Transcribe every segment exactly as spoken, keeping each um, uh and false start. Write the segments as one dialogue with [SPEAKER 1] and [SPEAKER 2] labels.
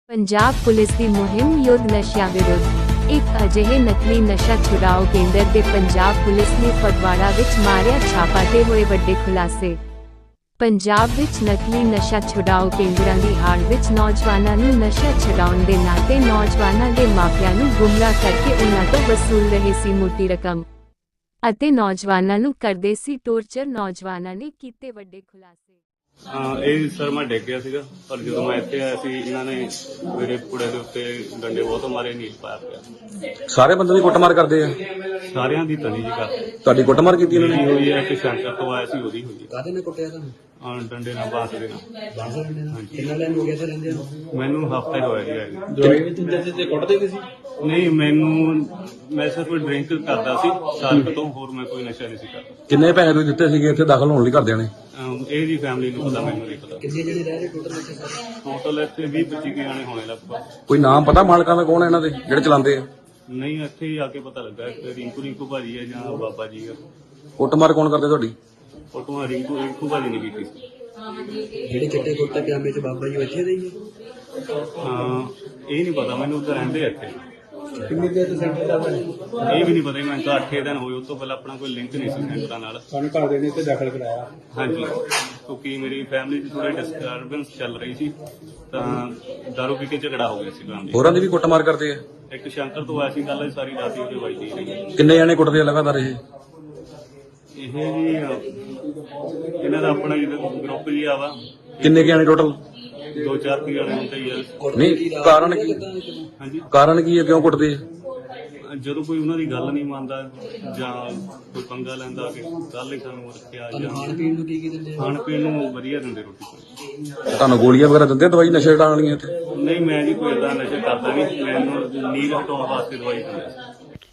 [SPEAKER 1] Punjab police ਦੀ ਮੁਹਿੰਮ ਯੁੱਧ ਨਸ਼ਿਆਂ ਵਿਰੁੱਧ। ਇੱਕ ਅਜਿਹੇ ਨਕਲੀ ਨਸ਼ਾ ਛੁਡਾਓ ਕੇਂਦਰ ਦੇ ਪੰਜਾਬ ਪੁਲਿਸ ਨੇ ਫਗਵਾੜਾ ਵਿੱਚ ਮਾਰਿਆ ਛਾਪਾ ਤੇ ਹੋਏ ਵੱਡੇ ਖੁਲਾਸੇ। ਪੰਜਾਬ ਵਿੱਚ ਨਕਲੀ ਨਸ਼ਾ ਛੁਡਾਓ ਕੇਂਦਰਾਂ ਦੀ ਆੜ ਵਿੱਚ ਨੌਜਵਾਨਾਂ ਨੂੰ ਨਸ਼ਾ ਛੁਡਾਉਣ ਦੇ ਨਾਂ ਤੇ ਨੌਜਵਾਨਾਂ ਦੇ ਮਾਪਿਆਂ ਨੂੰ ਗੁੰਮਰਾਹ ਕਰਕੇ ਉਨ੍ਹਾਂ ਤੋਂ ਵਸੂਲ ਰਹੇ ਸੀ ਮੋਟੀ ਰਕਮ ਅਤੇ ਨੌਜਵਾਨਾਂ ਨੂੰ ਕਰਦੇ ਸੀ ਟੌਰਚਰ। ਨੌਜਵਾਨਾਂ ਨੇ ਕੀਤੇ ਵੱਡੇ ਖੁਲਾਸੇ।
[SPEAKER 2] ਹਾਂ, ਇਹ ਸਰ ਮੈਂ ਡਿੱਗ ਗਿਆ ਸੀਗਾ, ਪਰ ਜਦੋਂ ਮੈਂ ਇੱਥੇ ਆਇਆ ਸੀ ਇਹਨਾਂ ਨੇ ਮੇਰੇ ਕੁੜੇ ਦੇ ਉੱਤੇ ਡੰਡੇ ਬਹੁਤ ਮਾਰੇ, ਨੀਲ ਪਾਇਆ ਪਿਆ।
[SPEAKER 3] ਸਾਰੇ ਬੰਦੇ ਦੀ ਕੁੱਟਮਾਰ ਕਰਦੇ ਆ?
[SPEAKER 2] ਸਾਰਿਆਂ ਦੀ ਤਨੀ ਜੀ ਕਰ
[SPEAKER 3] ਤੁਹਾਡੀ ਕੁੱਟਮਾਰ ਕੀਤੀ ਇਹਨਾਂ ਨੇ?
[SPEAKER 2] ਹੋਈ ਹੈ ਕਿ ਸ਼ੰਕਰ ਤੋਂ ਆਇਆ ਸੀ, ਉਹਦੀ ਹੋਈ ਹੈ।
[SPEAKER 4] ਕਾਹਦੇ ਨਾਲ ਕੁੱਟਿਆ ਤੁਹਾਨੂੰ?
[SPEAKER 2] ਹਾਂ, ਡੰਡੇ ਨਾਲ, ਬਾਂਸ ਦੇ ਨਾਲ।
[SPEAKER 4] ਬਾਂਸ ਡੰਡੇ ਨਾਲ? ਕਿੰਨਾ ਟਾਈਮ ਹੋ ਗਿਆ ਤੇ ਰਹਿੰਦੇ ਹੋ?
[SPEAKER 2] ਮੈਨੂੰ ਹਫ਼ਤਾ ਹੀ ਹੋਇਆ ਜੀ ਆਏ ਨੂੰ।
[SPEAKER 4] ਦਵਾਈ ਵੀ ਦਿੰਦੇ ਤੇ ਕੁੱਟਦੇ ਵੀ ਸੀ?
[SPEAKER 2] ਨਹੀਂ, ਮੈਨੂੰ ਮੈਂ ਸਿਰਫ ਡਰਿੰਕ ਕਰਦਾ ਸੀ ਸਾਲ ਕੁ ਤੋਂ, ਹੋਰ ਮੈਂ ਕੋਈ ਨਸ਼ਾ ਨਹੀਂ ਸੀ ਕਰਦਾ।
[SPEAKER 3] ਕਿੰਨੇ ਪੈਸੇ ਤੁਸੀਂ ਦਿੱਤੇ ਸੀਗੇ ਇੱਥੇ ਦਾਖਲ ਹੋਣ ਲਈ ਘਰਦਿਆਂ ਨੇ?
[SPEAKER 2] ਅਮ ਇਹ ਜੀ ਫੈਮਿਲੀ ਨੂੰ ਪਤਾ, ਮੈਨੂੰ ਨਹੀਂ ਪਤਾ।
[SPEAKER 4] ਕਿੰਨੇ ਜਣੇ ਰਹਿ ਰਹੇ ਟੋਟਲ ਇੱਥੇ ਸਾਰੇ?
[SPEAKER 2] ਟੋਟਲ ਇੱਥੇ ਵੀਹ ਪੱਚੀ ਕੁ ਜਾਣੇ ਹੋਣੇ ਲਗਭਗ।
[SPEAKER 3] ਕੋਈ ਨਾਮ ਪਤਾ ਮਾਲਕਾਂ ਦਾ ਕੌਣ ਹੈ ਇਹਨਾਂ ਦੇ ਜਿਹੜੇ ਚਲਾਉਂਦੇ ਆ?
[SPEAKER 2] ਨਹੀਂ, ਇੱਥੇ ਹੀ ਆ ਕੇ ਪਤਾ ਲੱਗਾ ਕਿ ਰਿੰਕੂ ਰਿੰਕੂ ਭਾਜੀ ਹੈ ਜਾਂ ਬਾਬਾ ਜੀ ਹੈ।
[SPEAKER 3] ਕੁੱਟਮਾਰ ਕੌਣ ਕਰਦੇ ਤੁਹਾਡੀ?
[SPEAKER 2] ਫੋਟੋਆਂ ਰਿੰਕੂ ਰਿੰਕੂ ਭਾਜੀ ਨੇ ਕੀਤੀ ਸੀ।
[SPEAKER 4] ਜਿਹੜੇ ਚਿੱਟੇ ਕੁੱਤੇ ਪਜਾਮੇ ਚ ਬਾਬਾ ਜੀ ਇੱਥੇ ਦੇ ਹੀ ਹੈ?
[SPEAKER 2] ਹਾਂ, ਇਹ ਨਹੀਂ ਪਤਾ ਮੈਨੂੰ, ਉੱਧਰ ਰਹਿੰਦੇ ਆ ਇੱਥੇ।
[SPEAKER 4] ਕਿੰਨੀ ਦੇਰ ਤੋਂ ਸੈਂਟਰ ਦਾ ਬਣੇ?
[SPEAKER 2] ਇਹ ਵੀ ਨਹੀਂ ਪਤਾ, ਮੈਨੂੰ ਤਾਂ ਅੱਠ ਦਿਨ ਹੋਏ। ਉਸ ਤੋਂ ਪਹਿਲਾਂ ਆਪਣਾ ਕੋਈ ਲਿੰਕ ਨਹੀਂ ਸੀ ਸੈਂਟਰਾਂ ਨਾਲ।
[SPEAKER 4] ਸਾਨੂੰ ਘਰ ਦੇ ਨੇ ਇੱਥੇ ਦਾਖਲ ਕਰਾਇਆ?
[SPEAKER 2] ਹਾਂਜੀ, ਕਿਉਂਕਿ ਮੇਰੀ ਫੈਮਿਲੀ 'ਚ ਥੋੜੀ ਡਿਸਟਰਬੈਂਸ ਚੱਲ ਰਹੀ ਸੀ, ਤਾਂ ਦਾਰੂ ਪੀ ਕੇ ਝਗੜਾ ਹੋ ਗਿਆ ਸੀ ਫੈਮਿਲੀ।
[SPEAKER 3] ਹੋਰਾਂ ਦੀ ਵੀ ਕੁੱਟਮਾਰ ਕਰਦੇ ਆ?
[SPEAKER 2] ਇੱਕ ਸ਼ੰਕਰ ਤੋਂ ਆਇਆ ਸੀ, ਕੱਲ ਸਾਰੀ ਰਾਤ ਹੀ ਉਹਦੇ ਵੱਜਦੀ ਰਹੀ।
[SPEAKER 3] ਕਿੰਨੇ ਜਾਣੇ ਕੁੱਟਦੇ ਆ ਲਗਾਤਾਰ ਇਹ?
[SPEAKER 2] ਇਹ ਜੀ ਇਹਨਾਂ ਦਾ ਆਪਣਾ ਜਿਹੜਾ ਗਰੁੱਪ ਜੀ ਆ ਵਾ,
[SPEAKER 3] ਕਿੰਨੇ ਕੁ ਜਾਣੇ ਟੋਟਲ?
[SPEAKER 2] ਦੋ ਚਾਰ ਕੀ ਜਾਣੇ ਹੁੰਦੇ ਹੀ ਆ।
[SPEAKER 3] ਨਹੀਂ, ਕਾਰਨ ਕੀ?
[SPEAKER 2] ਹਾਂਜੀ,
[SPEAKER 3] ਕਾਰਨ ਕੀ ਹੈ, ਕਿਉਂ ਕੁੱਟਦੇ ਆ?
[SPEAKER 2] ਜਦੋਂ ਕੋਈ ਉਹਨਾਂ ਦੀ ਗੱਲ ਨਹੀਂ ਮੰਨਦਾ ਜਾਂ ਕੋਈ ਪੰਗਾ ਲੈਂਦਾ ਕਿ ਕੱਲ ਹੀ ਸਾਨੂੰ ਰੱਖਿਆ, ਜਾਂ
[SPEAKER 4] ਖਾਣ ਪੀਣ ਨੂੰ ਕੀ ਕੀ ਦਿੰਦੇ?
[SPEAKER 2] ਖਾਣ ਪੀਣ ਨੂੰ ਵਧੀਆ ਦਿੰਦੇ, ਰੋਟੀ ਪਾਣੀ।
[SPEAKER 3] ਤੁਹਾਨੂੰ ਗੋਲੀਆਂ ਵਗੈਰਾ ਦਿੰਦੇ ਆ ਦਵਾਈ ਨਸ਼ੇ ਹਟਾਉਣ ਵਾਲੀਆਂ ਇੱਥੇ?
[SPEAKER 2] ਨਹੀਂ, ਮੈਂ ਜੀ ਕੋਈ ਏਦਾਂ ਨਸ਼ਾ ਕਰਦਾ ਨਹੀਂ, ਮੈਨੂੰ ਨੀਂਦ ਹਟਾਉਣ ਵਾਸਤੇ ਦਵਾਈ ਦਿੰਦੇ ਸੀ।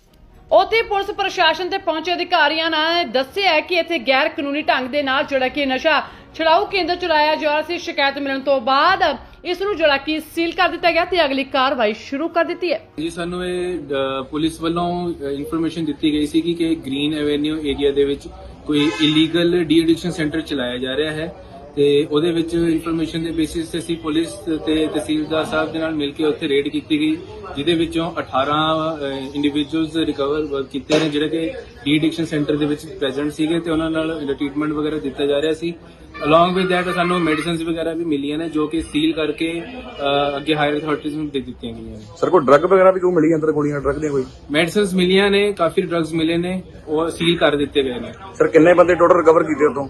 [SPEAKER 5] ਉੱਥੇ ਪੁਲਿਸ ਪ੍ਰਸ਼ਾਸਨ ਤੇ ਪਹੁੰਚੇ ਅਧਿਕਾਰੀਆਂ ਨੇ ਦੱਸਿਆ ਕਿ ਇੱਥੇ ਗੈਰ ਕਾਨੂੰਨੀ ਢੰਗ ਦੇ ਨਾਲ ਜਿਹੜਾ ਕਿ ਨਸ਼ਾ ਛੁਡਾਊ ਕੇਂਦਰ ਚਲਾਇਆ ਜਾ ਰਿਹਾ ਸੀ। ਸ਼ਿਕਾਇਤ ਮਿਲਣ ਤੋਂ ਬਾਅਦ ਇਸ ਨੂੰ ਜਿਹੜਾ ਕਿ ਸੀਲ ਕਰ ਦਿੱਤਾ ਗਿਆ ਤੇ ਅਗਲੀ ਕਾਰਵਾਈ ਸ਼ੁਰੂ ਕਰ ਦਿੱਤੀ ਹੈ।
[SPEAKER 6] ਜੀ, ਸਾਨੂੰ ਇਹ ਅ, ਪੁਲਿਸ ਵੱਲੋਂ ਇਨਫੋਰਮੇਸ਼ਨ ਦਿੱਤੀ ਗਈ ਸੀ ਕਿ ਗ੍ਰੀਨ ਐਵੇਨਿਊ ਏਰੀਆ ਦੇ ਵਿੱਚ ਕੋਈ ਇਲੀਗਲ ਡੀ ਐਡਿਕਸ਼ਨ ਸੈਂਟਰ ਚਲਾਇਆ ਜਾ ਰਿਹਾ ਹੈ, ਤੇ ਉਹਦੇ ਵਿੱਚ ਇਨਫੋਰਮੇਸ਼ਨ ਦੇ ਬੇਸਿਸ ਤੇ ਅਸੀਂ ਪੁਲਿਸ ਤੇ ਤਹਿਸੀਲਦਾਰ ਸਾਹਿਬ ਦੇ ਨਾਲ ਮਿਲ ਕੇ ਉੱਥੇ ਰੇਡ ਕੀਤੀ ਗਈ, ਜਿਹਦੇ ਵਿੱਚੋਂ ਅਠਾਰਾਂ ਇੰਡੀਵਿਜੂਅਲਸ ਰਿਕਵਰ ਕੀਤੇ ਨੇ ਜਿਹੜੇ ਕਿ ਡੀ ਐਡਿਕਸ਼ਨ ਸੈਂਟਰ ਦੇ ਵਿੱਚ ਪ੍ਰੈਜ਼ੈਂਟ ਸੀਗੇ, ਤੇ ਉਹਨਾਂ ਨਾਲ ਟ੍ਰੀਟਮੈਂਟ ਵਗੈਰਾ ਦਿੱਤਾ ਜਾ ਰਿਹਾ ਸੀ। ਅਲੋਂਗ ਵਿਦ ਦੈਟ ਸਾਨੂੰ ਮੈਡੀਸਿਨਸ ਵਗੈਰਾ ਵੀ ਮਿਲੀਆਂ ਨੇ, ਜੋ ਕਿ ਸੀਲ ਕਰਕੇ ਅ, ਅੱਗੇ ਹਾਇਰ ਅਥਾਰਟੀਜ਼ ਨੂੰ ਦੇ ਦਿੱਤੀਆਂ ਗਈਆਂ ਨੇ।
[SPEAKER 3] ਸਰ, ਕੋਈ ਡਰੱਗ ਵਗੈਰਾ ਵੀ ਕਿਉਂ ਮਿਲੀ ਅੰਦਰ? ਗੋਲੀਆਂ ਡਰੱਗ ਦੀਆਂ ਕੋਈ?
[SPEAKER 6] ਮੈਡੀਸਿਨਸ ਮਿਲੀਆਂ ਨੇ, ਕਾਫੀ ਡਰੱਗਸ ਮਿਲੇ ਨੇ, ਉਹ ਸੀਲ ਕਰ ਦਿੱਤੇ ਗਏ ਨੇ।
[SPEAKER 3] ਸਰ, ਕਿੰਨੇ ਬੰਦੇ ਟੋਟਲ ਰਿਕਵਰ ਕੀਤੇ ਉਤੋਂ?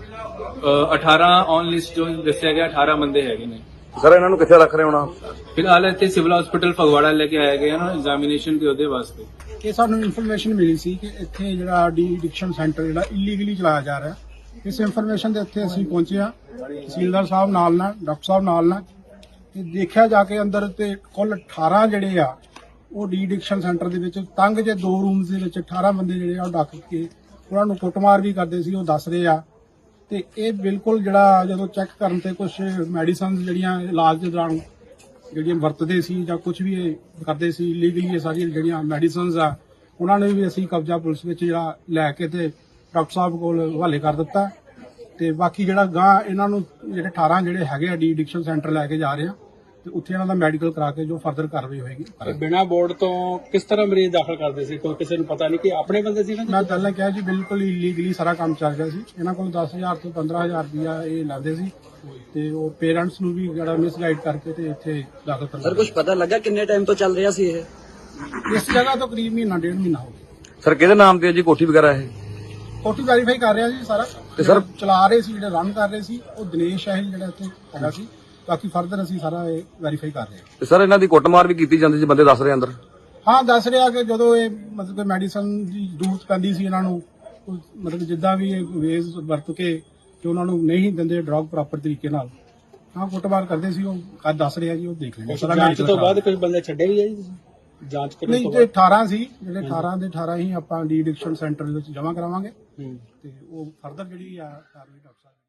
[SPEAKER 6] ਅ, ਅਠਾਰਾਂ ਔਨ ਲਿਸਟ ਜੋ ਦੱਸਿਆ ਗਿਆ, ਅਠਾਰਾਂ ਬੰਦੇ ਹੈਗੇ ਨੇ।
[SPEAKER 3] ਸਰ, ਇਹਨਾਂ ਨੂੰ ਕਿੱਥੇ ਰੱਖ ਰਹੇ ਹੋਣਾ?
[SPEAKER 6] ਫਿਲਹਾਲ ਇੱਥੇ ਸਿਵਲ ਹਸਪੀਟਲ ਫਗਵਾੜਾ ਲੈ ਕੇ ਆਇਆ ਗਿਆ ਨਾ ਐਗਜ਼ਾਮੀਨੇਸ਼ਨ ਦੇ ਉਹਦੇ ਵਾਸਤੇ।
[SPEAKER 7] ਇਹ ਸਾਨੂੰ ਇਨਫੋਰਮੇਸ਼ਨ ਮਿਲੀ ਸੀ ਕਿ ਇੱਥੇ ਜਿਹੜਾ ਡੀ ਐਡਿਕਸ਼ਨ ਸੈਂਟਰ ਜਿਹੜਾ ਇਲੀਗਲੀ ਚਲਾਇਆ ਜਾ ਰਿਹਾ। ਇਸ ਇਨਫੋਰਮੇਸ਼ਨ ਦੇ ਉੱਤੇ ਅਸੀਂ ਪਹੁੰਚੇ ਹਾਂ, ਤਹਿਸੀਲਦਾਰ ਸਾਹਿਬ ਨਾਲ ਨਾਲ, ਡਾਕਟਰ ਸਾਹਿਬ ਨਾਲ ਨਾਲ, ਤੇ ਦੇਖਿਆ ਜਾ ਕੇ ਅੰਦਰ ਤੇ ਕੁੱਲ ਅਠਾਰਾਂ ਜਿਹੜੇ ਆ ਉਹ ਡੀ ਐਡਿਕਸ਼ਨ ਸੈਂਟਰ ਦੇ ਵਿੱਚ ਤੰਗ ਜੇ ਦੋ ਰੂਮਸ ਦੇ ਵਿੱਚ ਅਠਾਰਾਂ ਬੰਦੇ ਜਿਹੜੇ ਆ ਉਹ ਡੱਕ ਕੇ ਉਹਨਾਂ ਨੂੰ ਕੁੱਟਮਾਰ ਵੀ ਕਰਦੇ ਸੀ, ਉਹ ਦੱਸ ਰਹੇ ਆ। ਤੇ ਇਹ ਬਿਲਕੁਲ ਜਿਹੜਾ ਜਦੋਂ ਚੈੱਕ ਕਰਨ ਤੇ ਕੁਝ ਮੈਡੀਸਨਸ ਜਿਹੜੀਆਂ ਇਲਾਜ ਦੇ ਦੌਰਾਨ ਜਿਹੜੀਆਂ ਵਰਤਦੇ ਸੀ ਜਾਂ ਕੁਝ ਵੀ ਇਹ ਕਰਦੇ ਸੀ ਇਲੀਗਲੀ, ਇਹ ਸਾਰੀਆਂ ਜਿਹੜੀਆਂ ਮੈਡੀਸਨਸ ਆ ਉਹਨਾਂ ਨੇ ਵੀ ਅਸੀਂ ਕਬਜ਼ਾ ਪੁਲਿਸ ਵਿੱਚ ਜਿਹੜਾ ਲੈ ਕੇ ਤੇ ਡਾਕਟਰ ਸਾਹਿਬ ਕੋਲ ਹਵਾਲੇ ਕਰ ਦਿੱਤਾ। ਤੇ ਬਾਕੀ ਜਿਹੜਾ ਗਾਂ ਇਹਨਾਂ ਨੂੰ ਜਿਹੜੇ ਅਠਾਰਾਂ ਜਿਹੜੇ ਹੈਗੇ ਆ ਡੀ ਐਡਿਕਸ਼ਨ ਸੈਂਟਰ ਲੈ ਕੇ ਜਾ ਰਹੇ ਆ, ਤੇ ਉੱਥੇ ਇਹਨਾਂ ਦਾ ਮੈਡੀਕਲ ਕਰਾ ਕੇ ਜੋ ਫਰਦਰ ਕਾਰਵਾਈ ਹੋਏਗੀ।
[SPEAKER 8] ਬਿਨਾਂ ਬੋਰਡ ਤੋਂ ਕਿਸ ਤਰ੍ਹਾਂ ਮਰੀਜ਼ ਦਾਖਲ ਕਰਦੇ ਸੀ? ਕੋਈ ਕਿਸੇ ਨੂੰ ਪਤਾ ਨਹੀਂ ਕਿ ਆਪਣੇ ਬੰਦੇ ਸੀ ਨਾ?
[SPEAKER 7] ਮੈਂ ਪਹਿਲਾਂ ਕਿਹਾ ਜੀ, ਬਿਲਕੁਲ ਇਲੀਗਲੀ ਸਾਰਾ ਕੰਮ ਚੱਲ ਰਿਹਾ ਸੀ। ਇਹਨਾਂ ਕੋਲ ਦਸ ਹਜ਼ਾਰ ਤੋਂ ਪੰਦਰਾਂ ਹਜ਼ਾਰ ਰੁਪਇਆ ਇਹ ਲੈਂਦੇ ਸੀ, ਤੇ ਉਹ ਪੇਰੈਂਟਸ ਨੂੰ ਵੀ ਜਿਹੜਾ ਮਿਸਗਾਈਡ ਕਰਕੇ ਤੇ ਇੱਥੇ ਦਾਖਲ ਕਰਵਾ।
[SPEAKER 4] ਸਰ, ਕੁਝ ਪਤਾ ਲੱਗਾ ਕਿੰਨੇ ਟਾਈਮ ਤੋਂ ਚੱਲ ਰਿਹਾ ਸੀ ਇਹ?
[SPEAKER 7] ਇਸ ਜਗ੍ਹਾ ਤੋਂ ਕਰੀਬ ਮਹੀਨਾ ਡੇਢ ਮਹੀਨਾ ਹੋ ਗਿਆ।
[SPEAKER 3] ਸਰ, ਕਿਹਦੇ ਨਾਮ ਤੇ ਹੈ ਜੀ ਕੋਠੀ ਵਗੈਰਾ ਇਹ?
[SPEAKER 7] ਕੋਠੀ ਵੈਰੀਫਾਈ ਕਰ ਰਿਹਾ ਜੀ ਸਾਰਾ।
[SPEAKER 3] ਤੇ ਸਰ,
[SPEAKER 7] ਚਲਾ ਰਹੇ ਸੀ, ਜਿਹੜੇ ਰਨ ਕਰ ਰਹੇ ਸੀ ਉਹ ਦਿਨੇਸ਼ ਹੈ ਜਿਹੜਾ ਇੱਥੇ ਹੈਗਾ ਸੀ। ਬਾਕੀ ਫਰਦਰ ਅਸੀਂ ਸਾਰਾ ਇਹ ਵੈਰੀਫਾਈ ਕਰ ਰਹੇ ਹਾਂ।
[SPEAKER 3] ਤੇ ਸਰ, ਇਹਨਾਂ ਦੀ ਕੁੱਟਮਾਰ ਵੀ ਕੀਤੀ ਜਾਂਦੀ ਸੀ, ਬੰਦੇ ਦੱਸ ਰਹੇ ਅੰਦਰ?
[SPEAKER 7] ਹਾਂ, ਦੱਸ ਰਿਹਾ ਕਿ ਜਦੋਂ ਇਹ ਮਤਲਬ ਕਿ ਮੈਡੀਸਨ ਦੀ ਜ਼ਰੂਰਤ ਪੈਂਦੀ ਸੀ ਇਹਨਾਂ ਨੂੰ, ਉਹ ਮਤਲਬ ਜਿੱਦਾਂ ਵੀ ਇਹ ਵੇਜ਼ ਵਰਤ ਕੇ ਕਿ ਉਹਨਾਂ ਨੂੰ ਨਹੀਂ ਦਿੰਦੇ ਡਰਗ ਪ੍ਰੋਪਰ ਤਰੀਕੇ ਨਾਲ, ਹਾਂ ਕੁੱਟਮਾਰ ਕਰਦੇ ਸੀ। ਉਹ ਕੱਲ ਦੱਸ ਰਿਹਾ ਜੀ, ਉਹ ਦੇਖ ਲੈਂਦੇ।
[SPEAKER 8] ਜਾਂਚ ਤੋਂ ਬਾਅਦ ਕੁਝ ਬੰਦੇ ਛੱਡੇ ਵੀ ਆ ਜੀ? ਜਾਂਚ ਕਰਨ
[SPEAKER 7] ਨਹੀਂ,
[SPEAKER 8] ਤੋਂ
[SPEAKER 7] ਤੇ
[SPEAKER 8] ਬਾਅਦ
[SPEAKER 7] ਅਠਾਰਾਂ ਸੀ ਜਿਹੜੇ ਅਠਾਰਾਂ ਦੇ ਅਠਾਰਾਂ ਹੀ ਆਪਾਂ ਡੀ ਐਡਿਕਸ਼ਨ ਸੈਂਟਰ ਦੇ ਵਿੱਚ ਜਮ੍ਹਾਂ ਕਰਾਵਾਂਗੇ, ਤੇ ਉਹ ਫਰਦਰ ਜਿਹੜੀ ਆ ਕਾਰਵਾਈ ਡਾਕਟਰ ਸਾਹਿਬ